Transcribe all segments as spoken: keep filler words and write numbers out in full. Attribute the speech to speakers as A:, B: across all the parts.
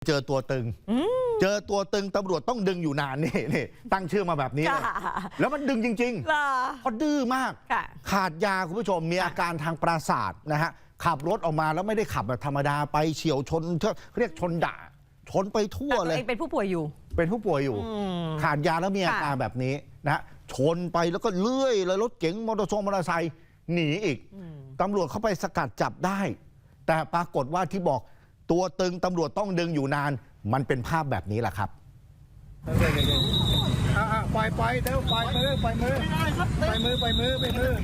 A: เจอตัวตึงเจอตัวตึงตำรวจต้องดึงอยู่นานนี่นี่ตั้งชื่อมาแบบนี้เลยแล้วมันดึงจริงๆเพราะดื้อมากขาดยาคุณผู้ชมมีอาการทางประสาทนะฮะขับรถออกมาแล้วไม่ได้ขับแบบธรรมดาไปเฉียวชนเรียกชนด่าชนไปทั่วเลย
B: เป็นผู้ป่วยอยู่
A: เป็นผู้ป่วยอยู่ขาดยาแล้วมีอาการแบบนี้นะชนไปแล้วก็เลื่อยเลยรถเก๋งมอเตอร์ไซค์มอเตอร์ไซค์หนีอีกตำรวจเข้าไปสกัดจับได้แต่ปรากฏว่าที่บอกตัวตึงตำรวจต้องดึงอยู่นานมันเป็นภาพแบบนี้แหละครับ
C: ปล่อยปล่อยเดี๋ยวปล่อยมือปล่อยมือปล่อยมือปล่อยมือปล่อยมือ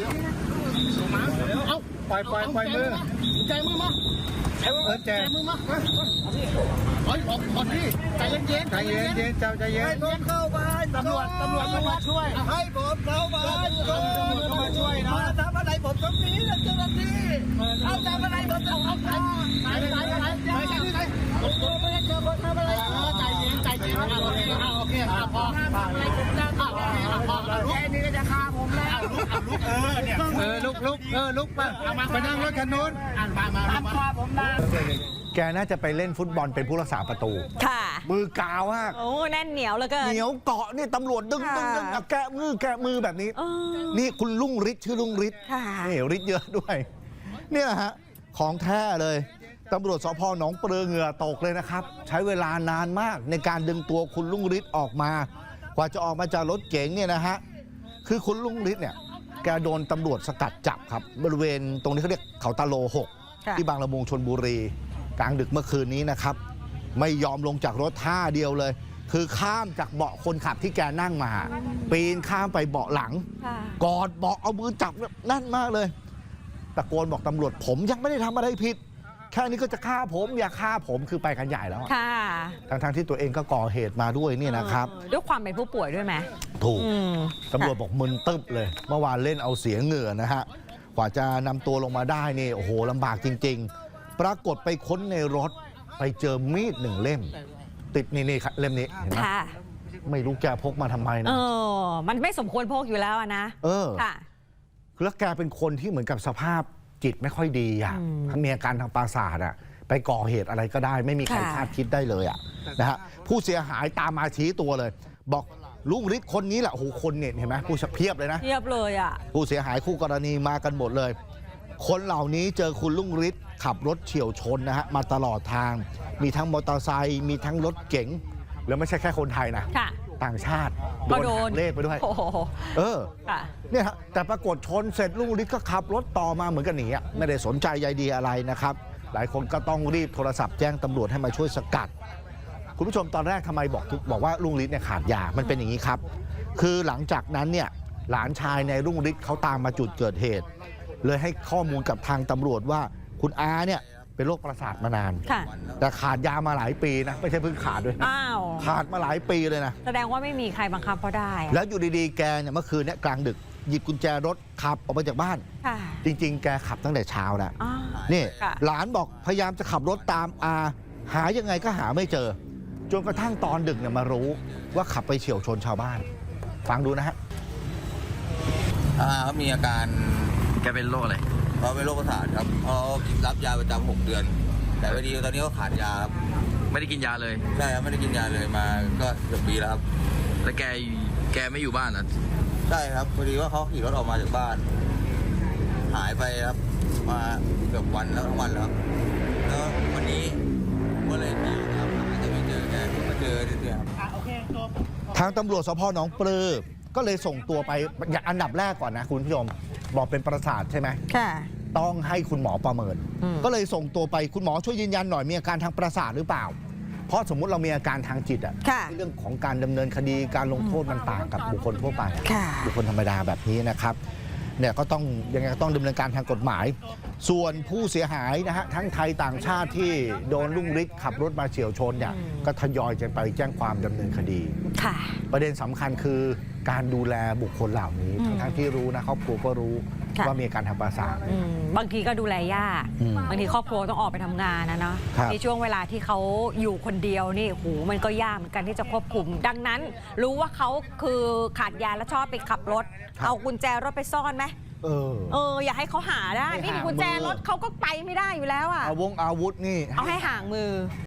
C: เอาปล่อยปล่อยปล่อยมือใจมือมาเออใจมือมาเฮ้ยออกก่อนพี่ใจเย็นเย็นใจเย็นเย็นเจ้าใจเย็นให้ผมเข้าไปตำรวจตำรวจมาช่วยให้ผมเข้าไปตำรวจมาช่วยนะทำอะไรผมตรงนี้นะเจ้าหน้าที่เอาทำอะไรผมจะเอาใจไหนไหนไหนไหนไหนผมไม่ได้เจอคนทำอะไรใจเย็นใจเย็นโอเคโอเคพออะไรผมจะพอพอแค่นี้ก็จะฆ่าผมแล้วลุกลุกเออเนี่ยเออลุกลุกเออลุกมาไปนั่งรถคันนู้นมามามาฆ่าผมนะ
A: แกน่าจะไปเล่นฟุตบอลเป็นผู้รักษาประตู
B: ค่ะ
A: มือกาวมาก
B: โอ้แน่นเหนียวแล้วก็
A: เหนียวเกาะนี่ตำรวจดึงดึงดึงแกะมือแกะมือแบบนี้นี่คุณลุงฤทธิ์ชื่อลุงฤทธิ์นี่ฤทธิ์เยอะด้วยเนี่ยฮะของแท้เลยตำรวจสพหนองปลือเหงื่อตกเลยนะครับใช้เวลานานมากในการดึงตัวคุณลุงฤทธิ์ออกมากว่าจะออกมาจากรถเก๋งเนี่ยนะฮะคือคุณลุงฤทธิ์เนี่ยแกโดนตำรวจสกัดจับครับบริเวณตรงนี้เขาเรียกเขาตาโลหกที่บางละมุงชลบุรีกลางดึกเมื่อคืนนี้นะครับไม่ยอมลงจากรถท่าเดียวเลยคือข้ามจากเบาะคนขับที่แกนั่งมาปีนข้ามไปเบาะหลังกอดเบาะเอามือจับแน่นมากเลยตะโกนบอกตำรวจผมยังไม่ได้ทำอะไรผิดแค่นี้ก็จะฆ่าผมอย่าฆ่าผมคือไปกันใหญ่แล้วทั้งทั้งที่ตัวเองก็ก่อเหตุมาด้วยนี่นะครับ
B: ด้วยความเป็นผู้ป่วยด้วยไหม
A: ถูกตำรวจบอกมึนตึ๊บเลยเมื่อวานเล่นเอาเสียเหงื่อนะฮะกว่าจะนำตัวลงมาได้นี่โอ้โหลำบากจริงๆปรากฏไปค้นในรถไปเจอมีดหนึ่งเล่มติดนี่นี่เล่มนี้เห็นไหมไม่รู้แกพกมาทำไมนะ
B: เออมันไม่สมควรพกอยู่แล้วนะ
A: เออค่ะแล้วแกเป็นคนที่เหมือนกับสภาพจิตไม่ค่อยดีอ่ะมีอาการทางประสาทอ่ะไปก่อเหตุอะไรก็ได้ไม่มีใครคาดคิดได้เลยอ่ะนะฮะผู้เสียหายตามมาชี้ตัวเลยบอกลุงฤทธิ์คนนี้แหละโอ้โหคนเนี่ยเห็นไหมผู้เพียบเลยนะ
B: เพียบเลยอ่ะ
A: ผู้เสียหายคู่กรณีมากันหมดเลยคนเหล่านี้เจอคุณลุงฤทธิ์ขับรถเฉี่ยวชนนะฮะมาตลอดทางมีทั้งมอเตอร์ไซค์มีทั้งรถเก๋งแล้วไม่ใช่แค่คนไทยนะต่างชาติโดนหักเลขไปด้วยเออเนี่ยฮะแต่ปรากฏชนเสร็จลุงฤทธิ์ก็ขับรถต่อมาเหมือนกันหนีอ่ะไม่ได้สนใจใยดีอะไรนะครับหลายคนก็ต้องรีบโทรศัพท์แจ้งตำรวจให้มาช่วยสกัดคุณผู้ชมตอนแรกทำไมบอกบอกว่าลุงฤทธิ์เนี่ยขาดยามันเป็นอย่างนี้ครับคือหลังจากนั้นเนี่ยหลานชายในลุงฤทธิ์เขาตามมาจุดเกิดเหตุเลยให้ข้อมูลกับทางตำรวจว่าคุณอาเนี่ยเป็นโรคประสาทมานานแต่ขาดยามาหลายปีนะไม่ใช่เพิ่งขาดด้วยขาดมาหลายปีเลยนะ
B: แสดงว่าไม่มีใครบังคับเขาได้
A: แล้วอยู่ดีๆแกเนี่ยเมื่อคืนเนี่ยกลางดึกหยิบกุญแจรถขับออกมาจากบ้านจริงๆแกขับตั้งแต่เช้าแล้วนี่หลานบอกพยายามจะขับรถตามอาหายังไงก็หาไม่เจอจนกระทั่งตอนดึกเนี่ยมารู้ว่าขับไปเฉี่ยวชนชาวบ้านฟังดูนะฮะ
D: อาเขามีอาการ
E: แกเป็นโรคอะไร
D: เขาเป็นโรคประสาทครับเขารับยาประจำหกเดือนแต่พอดีตอนนี้เขาขาดยาครับ
E: ไม่ได้กินยาเลย
D: ใช่ครับไม่ได้กินยาเลยมาก็เกือบปีแล้วครับ
E: แล้วแกแกไม่อยู่บ้านนะ
D: ใช่ครับพอดีว่าเขาขี่รถออกมาจากบ้านหายไปครับมาเกือบวันแล้วทั้งวันแล้วแล้ววันนี้ก็เลยเจอครับจะไม่เจอแกมาเจอเนี่ยครับ
A: ทางตำรวจสพหนองปลือก็เลยส่งตัวไปอย่างอันดับแรกก่อนนะคุณผู้ชมบอกเป็นประสาทใช่ไหม
B: ค่ะ
A: ต้องให้คุณหมอประเมินก็เลยส่งตัวไปคุณหมอช่วยยืนยันหน่อยมีอาการทางประสาทหรือเปล่าเพราะสมมุติเรามีอาการทางจิตอะเรื่องของการดำเนินคดีการลงโทษมันต่างกับบุคคลทั่วไปบุคคลธรรมดาแบบนี้นะครับเนี่ยก็ต้องยังไงต้องดำเนินการทางกฎหมายส่วนผู้เสียหายนะฮะทั้งไทยต่างชาติที่โดนลุงฤทธิ์ขับรถมาเฉี่ยวชนเนี่ยก็ทยอยจะไปแจ้งความดำเนินคดีประเด็นสำคัญคือการดูแลบุคคลเหล่านี้ทั้งทั้งที่รู้นะครอบครัวก็รู้ว่ามีอาการทางประสาท
B: บางทีก็ดูแลยากบางทีครอบครัวต้องออกไปทำงานนะเนาะในช่วงเวลาที่เขาอยู่คนเดียวนี่โหมันก็ยากเหมือนกันที่จะควบคุมดังนั้นรู้ว่าเขาคือขาดยาแล้วชอบไปขับรถเอากุญแจรถไปซ่อนไหมเออเอออย่าให้เขาหาได้นี่กุญแจรถเขาก็ไปไม่ได้อยู่แล้วอ่ะ
A: อาวงอาวุธนี่
B: เอาให้ห่างมือ